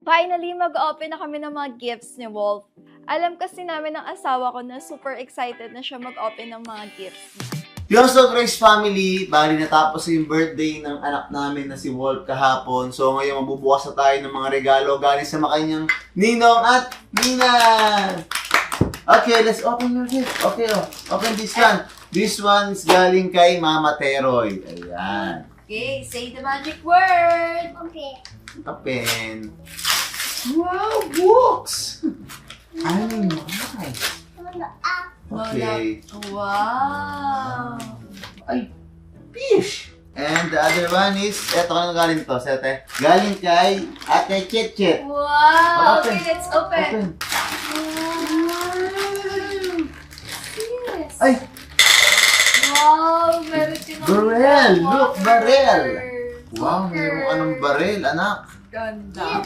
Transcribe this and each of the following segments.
Finally, mag-open na kami ng mga gifts ni Wolf. Alam kasi namin ng asawa ko na super excited na siya mag-open ng mga gifts. Yo, so Grace family, bali natapos yung birthday ng anak namin na si Wolf kahapon. So ngayon mabubukas na tayo ng mga regalo galing sa makanyang Ninong at Nina. Okay, let's open your gift. Okay, open this one. This one is galing kay Mama Teroy. Ayan. Okay, say the magic word! Okay. Open. Wow, books! Ay, nice. Okay. Wow! Ay, fish! And the other one is, eto ka na galing to, sete. Galing kay Ate Chet. Wow! Open. Okay, let's open. Open. Yes. Ay, Wow! Meron din akong barrel! Look, barrel! water. Wow, meron ka ng baril, anak. Ganda.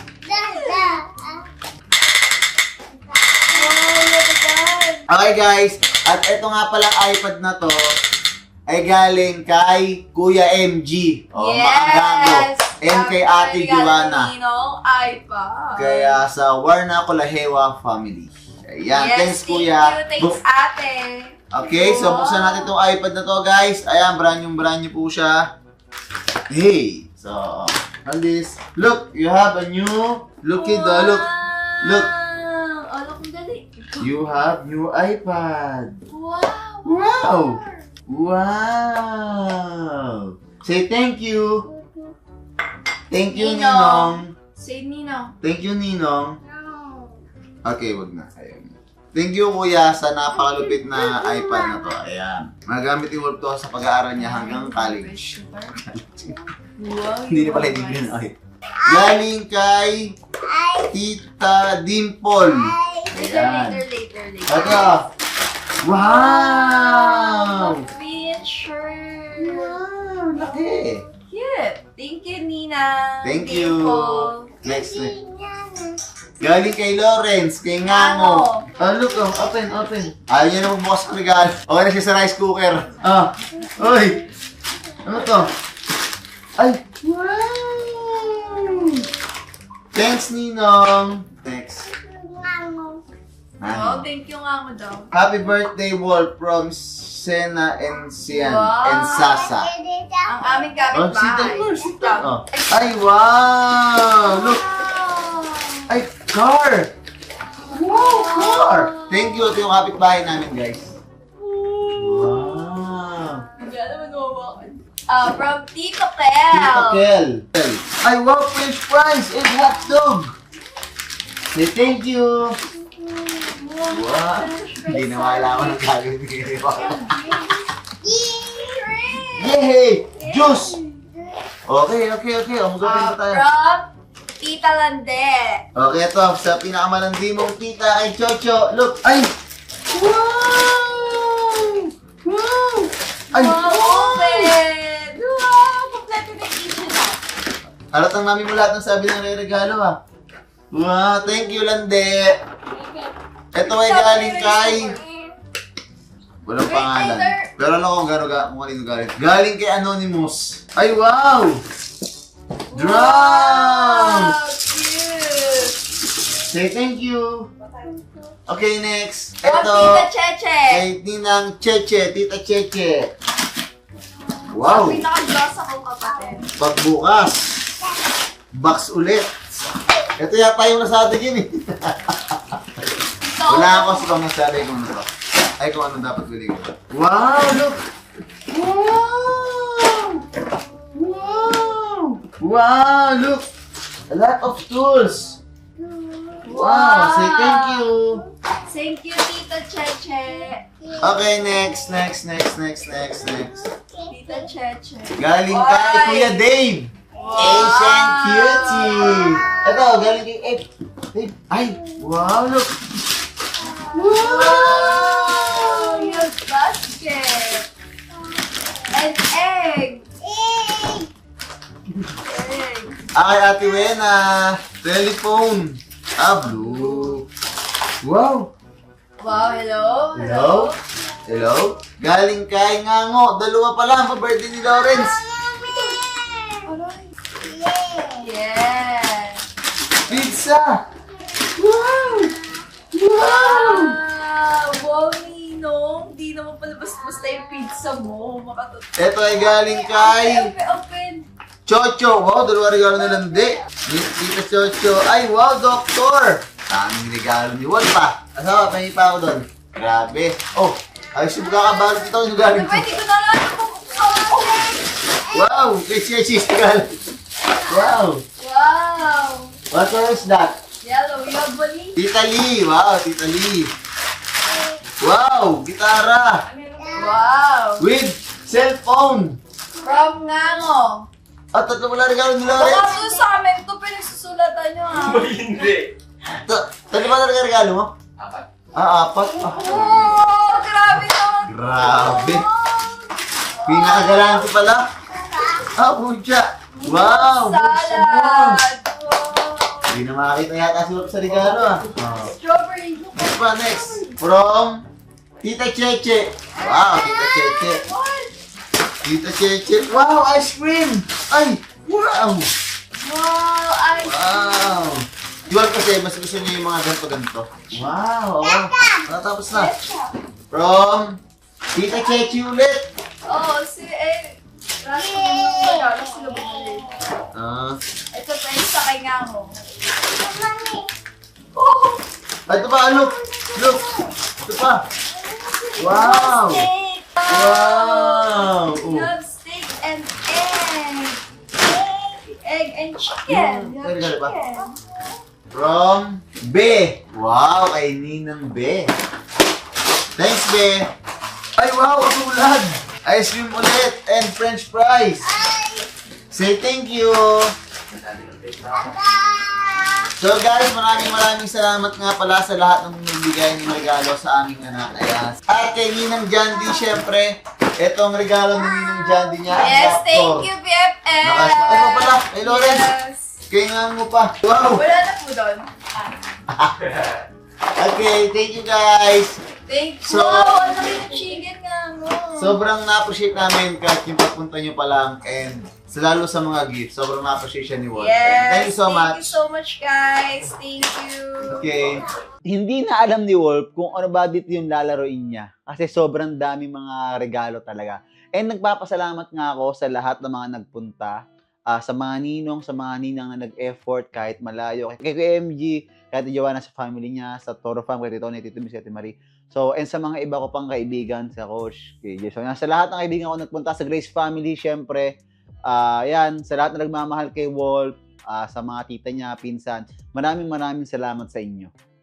Wow, look at that. Okay guys, at eto nga palang iPad na to, ay galing kay Kuya MG. Maagago. And kay Ate Joanna. Ninong iPad. Kaya sa Warna Colahewa family. Ayan, thanks Kuya. Thanks ate. Okay, so buksan natin itong iPad na to guys. Ayan, brand new po siya. Hey! So, on this. Look, you have a new... Look it, look. Look. Oh, look, ang galing. You have new iPad. Wow. Wow! Wow! Say thank you. Thank you, Ninong. Say Ninong. Thank you, Ninong. Okay, wag na. Ayan. Thank you, Kuya, sa napakalupit na iPad na to. Ayan. Magamit yung Wolf to sa pag-aaral niya hanggang college. Wow. Hindi na pala hindi na. Okay. Galing kay Tita Dimple. Ayan. Later. Ito. Wow! Picture. Wow, laki. Cute. Thank you, Nina. Thank you. Dimple. Next. Galing kay Lawrence, kay Ngango. Oh, look, open. Ayaw niya na magbukas ng regalo. Okay na siya sa rice cooker. Uy! Ano to? Ay! Wow! Thanks, Ninong. Thanks. Oh, thank you nga mo daw. Happy birthday, Wolf, from Sena and Sian Wow. and Sasa. Ang aming Oh, kapitbahay. sit down. Oh. Ay, wow! Look! Ay, car! Wow, car! Thank you. Ito yung kapitbahay namin, guys. Wow! Hindi naman mawawakan. From Tito Kel. Tito Kel. Ay, wow, French fries and hot dog! Say thank you! Wow! Hindi na malaman ng gagawin ko. Yay! Juice! Okay. Umagapin pa tayo. From Tita Lande. Okay, ito. Sa pinakamalandi mong tita kay Chocho. Look! Ay! Wow! Wow! Ay! Wow, open! Wow, kompleto na yung kitchen na. Halatang namin mo lahat ng sabi ng re-regalo ha. Wow! Thank you, Lande! Ito ay galing kay... Walang pangalan. Pero alam ko kung kanino galing. Galing kay Anonymous. Ay, wow! Drums! Wow, cute! Say thank you. Okay, next. From Ito. Tita Cheche. Kay Ninang Cheche, Tita Cheche. Wow! Pinaka-gloss akong kapatid. Pagbukas. Box ulit. Ito yata yung nasabi yun eh. Wala ako sa pang nasabi kung ano to. Ay, kung ano dapat bili ko. Wow! Look! Wow! Wow! Wow! Look! A lot of tools! Wow! Say thank you! Thank you, Tita Cheche. Okay, next. Tita Cheche. Galing kay Kuya Dave! Asian Cutie! Ito, galing kay Dave. Ay! Wow! Look! Wow! Your basket. And egg. Ay, Ate Wena! Telephone! Blue! Wow! Wow, hello? Hello? Galing kay Ngango. Dalawa pa lang pa birthday ni Lawrence. Yes. Pizza! Wow! Wow! Wow, Ninong. Di naman pala basta yung pizza mo. Ito ay galing kay Open. Chocho. Wow, dalawa regalo na landi. Tita Chocho. Ay, wow, Doktor! Daming regalo ni Wal pa. Asawa, pahingi pa ako doon. Grabe. Oh, ayos yung kakabalot ito. Ano galing Diba, hindi ko na lang mabuksan. Wow! Kay Chesis galing. Wow! Wow. What color is that? Yellow. Yabali. Tita Lee. Wow, Tita Lee. Wow, gitara. Wow. With cellphone. From Ngango. At tatlo pala regalo ni Lawrence. Baka po sa amin ito, pinagsusulatan nyo ha. Hindi. Tatlo ba talaga regalo mo? Apat. Apat. Oh, grabe naman. Grabe. Pinakagalante pala. Pucha. Wow. Salad. Hindi na makakita yata si Wap sa regalo Strawberry. Next pa, next. From Tita Cheche. Wow, Tita Cheche. What? Tita Cheche. Wow, ice cream. Ay, wow. Wow, ice Wow. Iwan kasi, mas gusto niyo yung mga ganito-ganito. Wow, natapos na. From Tita Cheche ulit. Oh, Raso mo regalo sila bumili. Ito pa yung sa kay Ngango. Oh! Ito pa, look. Look. Ito pa. Wow. Steak! Wow. We have steak and egg. Egg and chicken. We have Regalo pa? chicken. From Be. Wow, kay Ninang Be. Thanks, Be. Ay, wow, katulad. Ice cream ulit and french fries. Say thank you. So guys, maraming salamat nga pala sa lahat ng nagbigay ng regalo sa aming anak. Ayan. At kay Ninang Jandy, syempre, itong regalo ng Ninang Jandy niya. ang Yes, laptop. thank you, BFF. Ay, mo pala, kay Lawrence. Yes. Kaya nga mo pa. Wow. Wala na po doon. Okay, thank you guys. Thank you. So- Wow, ang laki ng chicken nga mo. Sobrang na-appreciate namin kahit yung pagpunta nyo pa lang and lalo sa mga gifts. Sobrang na-appreciate siya ni Walt. Yes. Thank you so much. Thank you so much, guys. Thank you. Okay. Hindi na alam ni Wolf kung ano ba dito yung lalaroin niya. Kasi sobrang dami mga regalo talaga. And nagpapasalamat nga ako sa lahat ng mga nagpunta. Sa mga ninong, sa mga ninang na nag-effort kahit malayo. Kay KMG, kahit Joanna sa family niya, sa Toro Farm, kay Tito Tito Miss, Ate Marie. So, and sa mga iba ko pang kaibigan, sa Coach, kay Jason. Sa lahat ng kaibigan ko nagpunta sa Grace family, syempre, yan, sa lahat na nagmamahal kay Wolf, sa mga tita niya, pinsan, maraming salamat sa inyo.